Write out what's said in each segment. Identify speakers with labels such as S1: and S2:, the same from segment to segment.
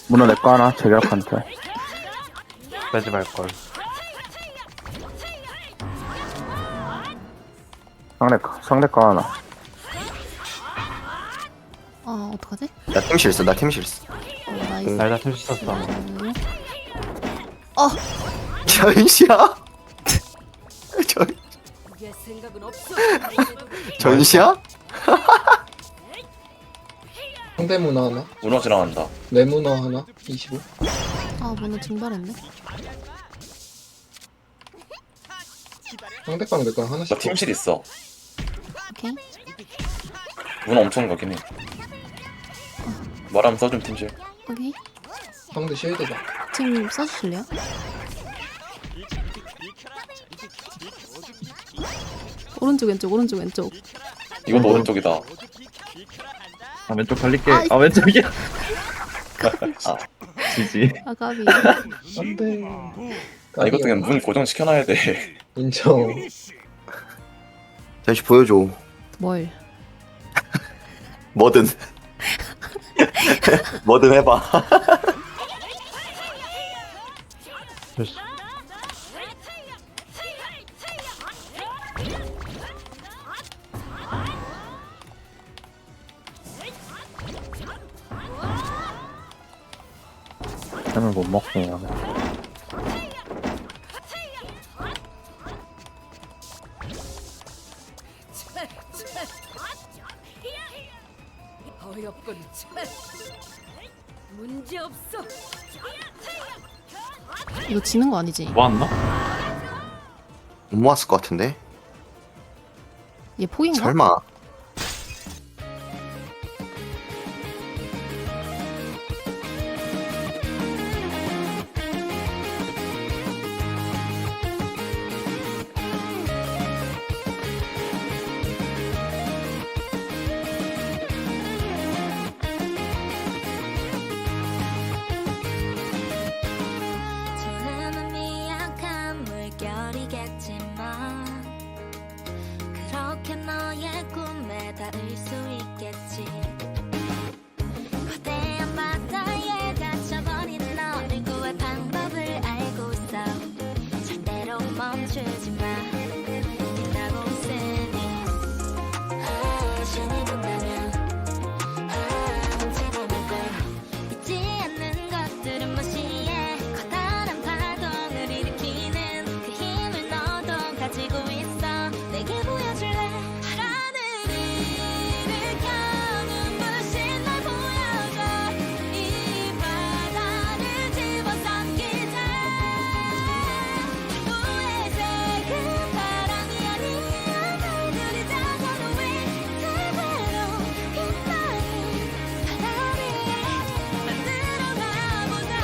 S1: 문어 내거 하나, 저격한테.
S2: 빼지 말걸.
S1: 상대 거 하나.
S3: 어떡하지?
S4: 나 팀 실수, 나 팀 실수.
S3: 나이스.
S2: 날다 툴 씻었어.
S4: 전시야? 전시야?
S5: 상대 문화 하나,
S6: 문어 지나간다.
S5: 내 문화 하나, 25.
S3: 문어 증발했네.
S5: 상대방 내 거랑
S6: 나
S5: 하나씩.
S6: 팀실 있어.
S3: 오케이.
S6: 문어 엄청 가긴 해. 말하면 써준 팀실.
S3: 오케이.
S5: 상대 쉴드다.
S3: 지금 써주실래요? 오른쪽 왼쪽 오른쪽 왼쪽.
S6: 이것도 오른쪽이다.
S2: 아 왼쪽 달릴게.
S3: 아이.
S2: 아 왼쪽이야. 아 지지.
S3: 까비.
S5: 안돼.
S6: 아, 이것도 그냥 문 고정시켜놔야 돼.
S5: 인정.
S4: 전시 보여줘.
S3: 뭘?
S4: 뭐든. 뭐든 해봐.
S2: 됐어.
S1: 템을 못 먹네요.
S7: 어렵군. 문제 없어.
S3: 이거 지는 거 아니지?
S2: 모았나?
S4: 못 모았을 것 같은데?
S3: 얘 포인가?
S4: 설마.
S8: 지금은 미약한 물결이겠지만 그렇게 너의 꿈에 닿을 수 있겠지. 거대한 바다에 갇혀버린 너를 구할 방법을 알고 있어. 절대로 멈추지 마. 빛나고 있으니 신이 본다면 훔치고 말걸. 잊지 않는 것들은 무시해. 커다란 파동을 일으키는 그 힘을 너도 가지고 있어. 내게 보여줄래? 하늘을 일으켜 눈부신 날 보여줘. 이 바다를 집어삼키자. 기부의 색은 바람이 아니야. 날들이 작아도 위태로 빛나는 바다 위에 만들어 가보자.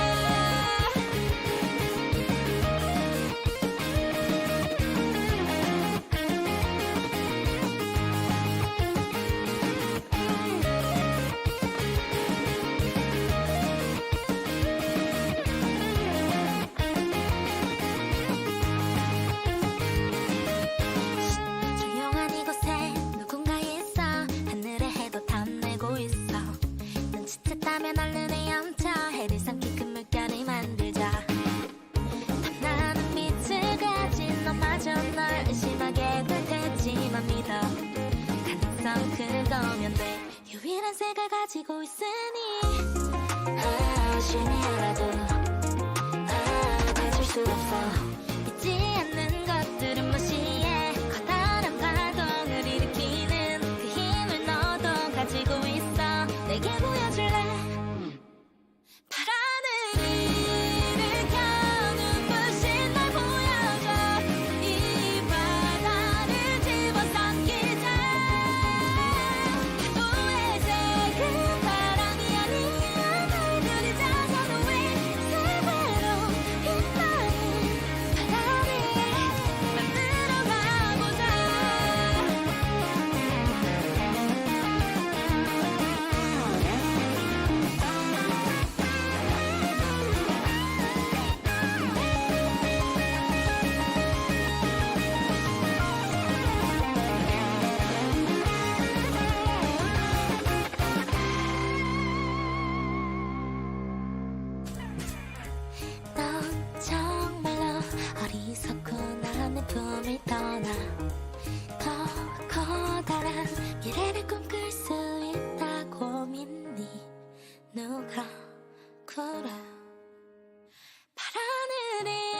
S8: 조용한 이곳에 누군가 있어. 하늘의 해도 탐내고 있어. 눈치챘다면 얼른 헤엄쳐. 해를 삼키 큰 물결을 만들자. 탐나는 빛을 가진 너마저 널 의심하게 될 테지만 믿어. 가능성 그거면 돼. 유일한 색을 가지고 있으니 신이 알아도 가질 수 없어. 잊지 않는 것들은 무시해. 커다란 파동을 일으키는 그 힘을 너도 가지고 있어. 내게 보여줄래? 바람을 일으켜 눈부신 날 보여줘. 이 바다를 집어삼키자. 기부의 색은 바람이 아니야. 날들이 작아도 위태로 빛나는 그래 파란 하늘이